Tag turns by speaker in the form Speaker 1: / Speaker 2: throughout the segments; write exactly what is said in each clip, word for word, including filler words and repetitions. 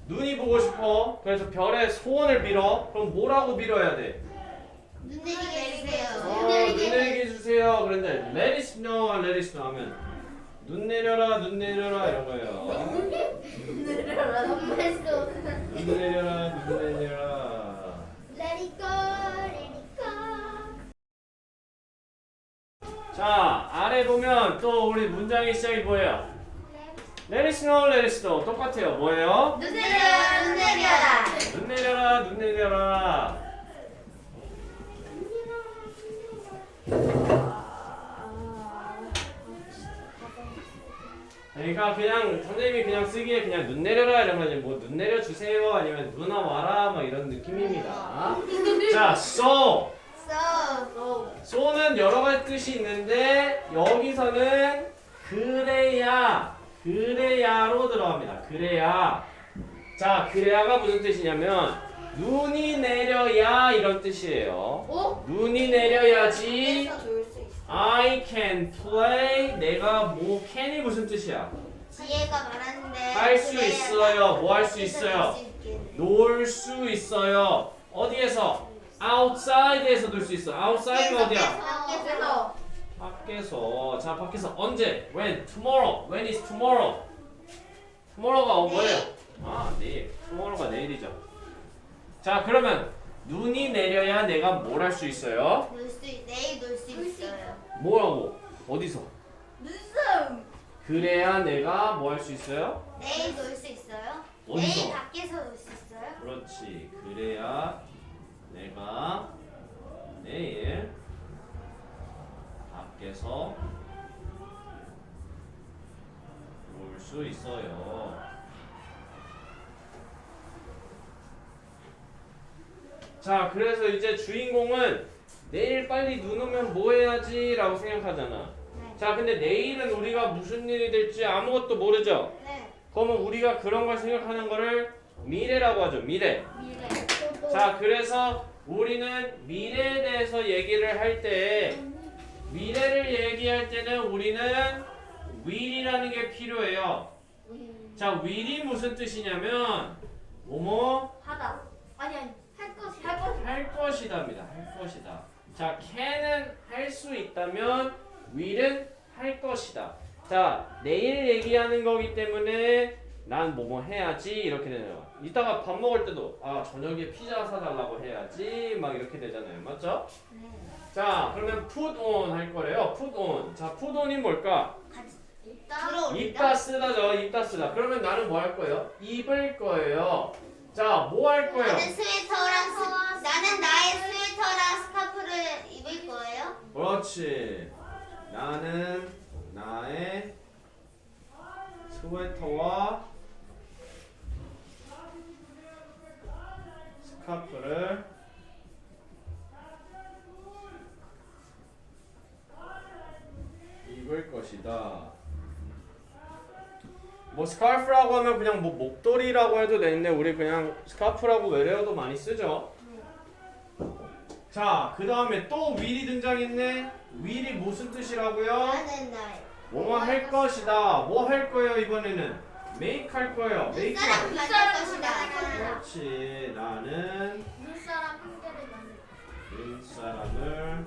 Speaker 1: 눈이 보고 싶어. 그래서 별의 소원을 빌어. 그럼 뭐라고 빌어야 돼?
Speaker 2: 눈 내리게 해주세요.
Speaker 1: 어, 눈 내리게 해주세요. 그런데 let it snow, let it snow 하면 눈 내려라, 눈 내려라 이런 거예요.
Speaker 3: 내려라.
Speaker 2: 엄마도
Speaker 1: 눈 내려라, 눈 내려라.
Speaker 2: Let it go, let it go.
Speaker 1: 자, 아래 보면 또 우리 문장의 시작이 뭐예요? Let it snow, let it snow. 똑같아요. 뭐예요?
Speaker 3: 눈 내려라. 눈 내려라.
Speaker 1: 눈 내려라, 눈 내려라. 그러니까 그냥 선생님이 그냥 쓰기에 그냥 눈 내려라 이러면 뭐 눈 내려 주세요 아니면 누나 와라 막 이런 느낌입니다. 자, so.
Speaker 2: So,
Speaker 1: so는 여러 가지 뜻이 있는데 여기서는 그래야, 그래야로 들어갑니다. 그래야. 자, 그래야가 무슨 뜻이냐면 눈이 내려야 이런 뜻이에요.
Speaker 3: 오?
Speaker 1: 눈이 내려야지
Speaker 2: 그래서 놀 수 있어.
Speaker 1: I can play. 내가 뭐 can이 무슨 뜻이야?
Speaker 2: 지혜가 말하는데
Speaker 1: 할 수
Speaker 2: 그래야
Speaker 1: 있어요. 뭐 할 수
Speaker 2: 밖에서
Speaker 1: 있어요?
Speaker 2: 놀수 있겠네.
Speaker 1: 놀 수 있어요. 어디에서? outside에서 놀 수 있어. outside가 어디야?
Speaker 3: 밖에서.
Speaker 1: 밖에서. 자, 밖에서 언제? when? tomorrow. when is tomorrow? tomorrow가 뭐예요? 아, 내일. tomorrow가 내일이죠. 자, 그러면 눈이 내려야 내가 뭘 할 수 있어요?
Speaker 2: 놀 수, 내일 놀 수 있어요.
Speaker 1: 뭐라고? 어디서?
Speaker 3: 눈썹.
Speaker 1: 그래야 내가 뭐 할 수 있어요?
Speaker 2: 내일 놀 수 있어요?
Speaker 1: 어디서?
Speaker 2: 내일 밖에서 놀 수 있어요?
Speaker 1: 그렇지. 그래야 내가 내일 밖에서 놀 수 있어요. 자, 그래서 이제 주인공은 내일 빨리 눈 오면 뭐 해야지? 라고 생각하잖아.
Speaker 2: 네.
Speaker 1: 자, 근데 내일은 우리가 무슨 일이 될지 아무것도 모르죠?
Speaker 2: 네.
Speaker 1: 그러면 우리가 그런 걸 생각하는 거를 미래라고 하죠. 미래.
Speaker 3: 미래.
Speaker 1: 자, 그래서 우리는 미래에 대해서 얘기를 할 때 미래를 얘기할 때는 우리는 will이라는 게 필요해요. 자, will이 무슨 뜻이냐면 뭐뭐
Speaker 3: 하다. 아니 아니. 할 것이. 할 것이.
Speaker 1: 할 것이다입니다. 할 것이다. 자, can은 할 수 있다면 will은 할 것이다. 자, 내일 얘기하는 거기 때문에 난 뭐뭐 해야지 이렇게 되네요. 이따가 밥 먹을 때도 아, 저녁에 피자 사달라고 해야지 막 이렇게 되잖아요. 맞죠?
Speaker 2: 네.
Speaker 1: 자, 그러면 put on 할 거래요. put on. 자, put on이 뭘까?
Speaker 2: 들어올리다.
Speaker 1: 입다 쓰다죠. 입다 쓰다. 그러면 나는 뭐 할 거예요? 입을 거예요. 자, 뭐 할 거예요?
Speaker 2: 나는 스웨터랑 스, 나는 나의 스웨터랑 스카프를 입을 거예요.
Speaker 1: 그렇지. 나는 나의 스웨터와 스카프를 입을 것이다. 뭐 스카프라고 하면 그냥 뭐 목도리라고 해도 되는데 우리 그냥 스카프라고 외래어도 많이 쓰죠. 자, 그 다음에 또 will이 등장했네. will이 무슨 뜻이라고요?
Speaker 2: 나는 나의
Speaker 1: 뭐뭐 할 것이다. 뭐 할 거예요 이번에는? make 할 거예요. make.
Speaker 2: 눈사람 만들 것이다.
Speaker 1: 그렇지. 나는
Speaker 3: 눈사람 한 개를 만들.
Speaker 1: 눈사람을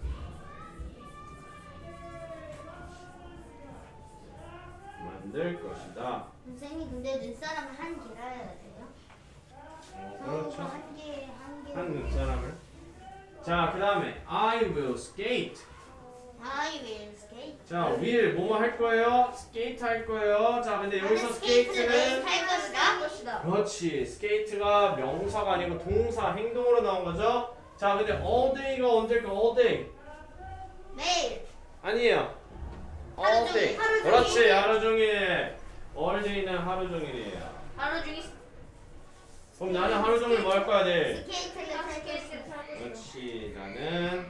Speaker 1: 만들 것이다.
Speaker 2: 선생님 근데 눈사람을 한 개라야 돼요?
Speaker 1: 어,
Speaker 2: 저거
Speaker 1: 그렇죠.
Speaker 2: 한 개, 한 개.
Speaker 1: 한 눈사람을. 자, 그 다음에 I will skate.
Speaker 2: I will skate.
Speaker 1: 자, will 뭐뭐 할 거예요? skate 할 거예요. 자, 근데 여기서
Speaker 2: 나는 스케이트를 매일
Speaker 1: skate는
Speaker 2: 탈
Speaker 3: 할
Speaker 2: 것이다.
Speaker 3: 것이다.
Speaker 1: 그렇지. 스케이트가 명사가 아니고 동사, 행동으로 나온 거죠. 자, 근데 all day가 언제일까? all day.
Speaker 2: 매일.
Speaker 1: 아니에요.
Speaker 2: 하루
Speaker 1: all
Speaker 2: 종일,
Speaker 1: day.
Speaker 2: 하루 종일.
Speaker 1: 그렇지. 하루 종일. all day는 하루 종일이에요.
Speaker 3: 하루 중에
Speaker 1: 그럼 나는 하루 종일 뭐 할 거야, 내일?
Speaker 2: 스케이트를 탈
Speaker 3: 스케이트
Speaker 2: 것이다.
Speaker 3: 타고 싶어.
Speaker 1: 그렇지. 나는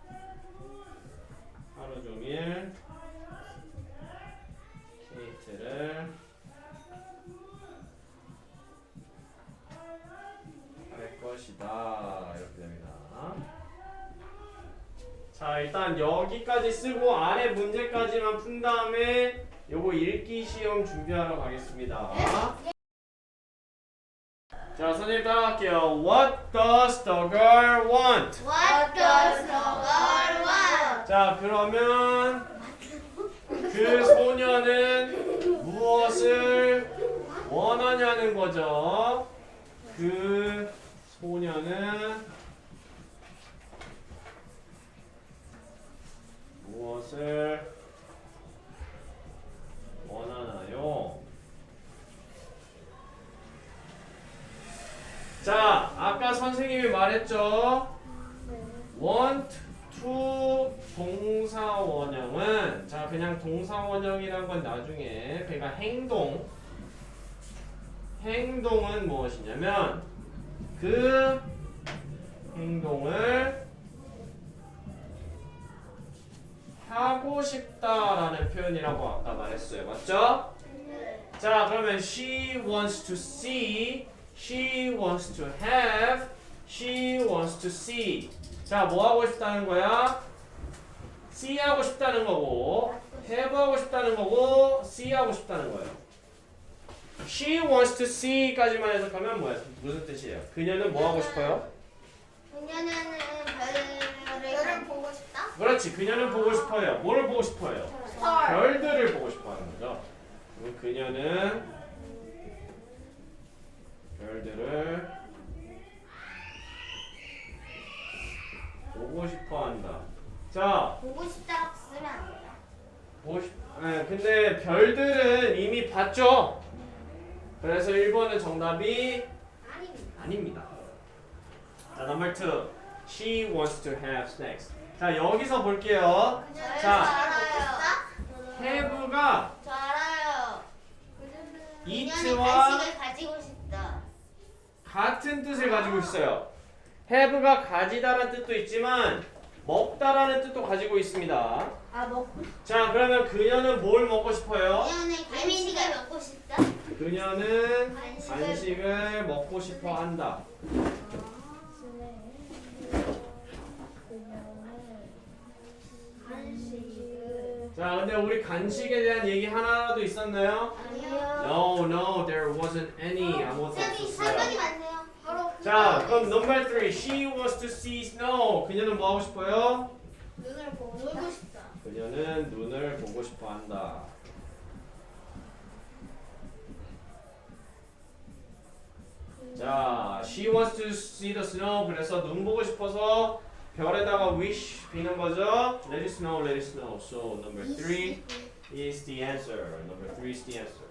Speaker 1: 하루 종일 스케이트를 할 것이다. 이렇게 됩니다. 자, 일단 여기까지 쓰고 아래 문제까지만 푼 다음에 요거 읽기 시험 준비하러 가겠습니다. 할게요. What does the girl want?
Speaker 2: What does the girl want?
Speaker 1: 자, 그러면 그 소녀는 무엇을 원하냐는 거죠. 그 소녀는 무엇을 원하나요? 자, 아까 선생님이 말했죠. want to 동사 원형은 자 그냥 동사 원형이란 건 나중에 그러니까 행동 행동은 무엇이냐면 그 행동을 하고 싶다라는 표현이라고 아까 말했어요. 맞죠? 자, 그러면 she wants to see, she wants to have, she wants to see. 자, 뭐 하고 싶다는 거야? see 하고 싶다는 거고, have 하고 싶다는 거고, see 하고 싶다는 거예요. she wants to see까지만 해석하면 뭐야? 무슨 뜻이에요? 그녀는 뭐 하고 싶어요?
Speaker 2: 그녀는 별을
Speaker 3: 별을 보고 싶다?
Speaker 1: 그렇지, 그녀는 보고 싶어요. 뭐를 보고 싶어요?
Speaker 3: 스타.
Speaker 1: 별들을 보고 싶어 하는 거죠. 그럼 그녀는 별들을 보고 싶어 한다. 자,
Speaker 2: 보고 싶다고 쓰면 안 돼요.
Speaker 1: 보고 싶, 네, 근데 별들은 이미 봤죠? 그래서 일 번은 정답이
Speaker 3: 아닙니다.
Speaker 1: 아닙니다. 자, number two. She wants to have snacks. 자, 여기서 볼게요.
Speaker 2: 저
Speaker 1: 자.
Speaker 2: 알아요.
Speaker 1: have가
Speaker 2: 저 알아요. 그녀는
Speaker 1: eat와
Speaker 2: 간식을 가지고 싶다.
Speaker 1: 같은 뜻을 가지고 있어요. have가 가지다라는 뜻도 있지만 먹다라는 뜻도 가지고 있습니다.
Speaker 3: 아 먹고
Speaker 1: 자, 그러면 그녀는 뭘 먹고 싶어요?
Speaker 2: 그녀는 간식을 먹고 싶다.
Speaker 1: 그녀는
Speaker 2: 간식을
Speaker 1: 간식을 먹고 싶어 한다.
Speaker 3: 간식을
Speaker 1: 자, 근데 우리 간식에 대한 얘기 하나라도 있었나요?
Speaker 2: 아니요.
Speaker 1: No, no, there wasn't any. 아무것도
Speaker 2: 쌤이 상관이
Speaker 1: 없었어요.
Speaker 2: 많네요.
Speaker 3: 바로
Speaker 1: 자, 그럼 number three. She wants to see snow. 그녀는 뭐 하고 싶어요?
Speaker 3: 눈을 보고 놀고 싶다.
Speaker 1: 그녀는 눈을 보고 싶어 한다. 자, she wants to see the snow. 그래서 눈 보고 싶어서 별에다가 wish 비는 거죠. Let it snow, let it snow. So number three is the answer. Number three is the answer.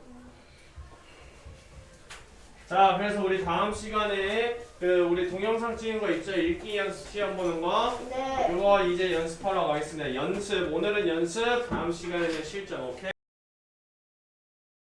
Speaker 1: 자, 그래서 우리 다음 시간에 그 우리 동영상 찍은 거 있죠? 읽기 연습 시험 보는 거.
Speaker 3: 네.
Speaker 1: 그거 이제 연습하러 가겠습니다. 연습. 오늘은 연습. 다음 시간에는 실전. 오케이?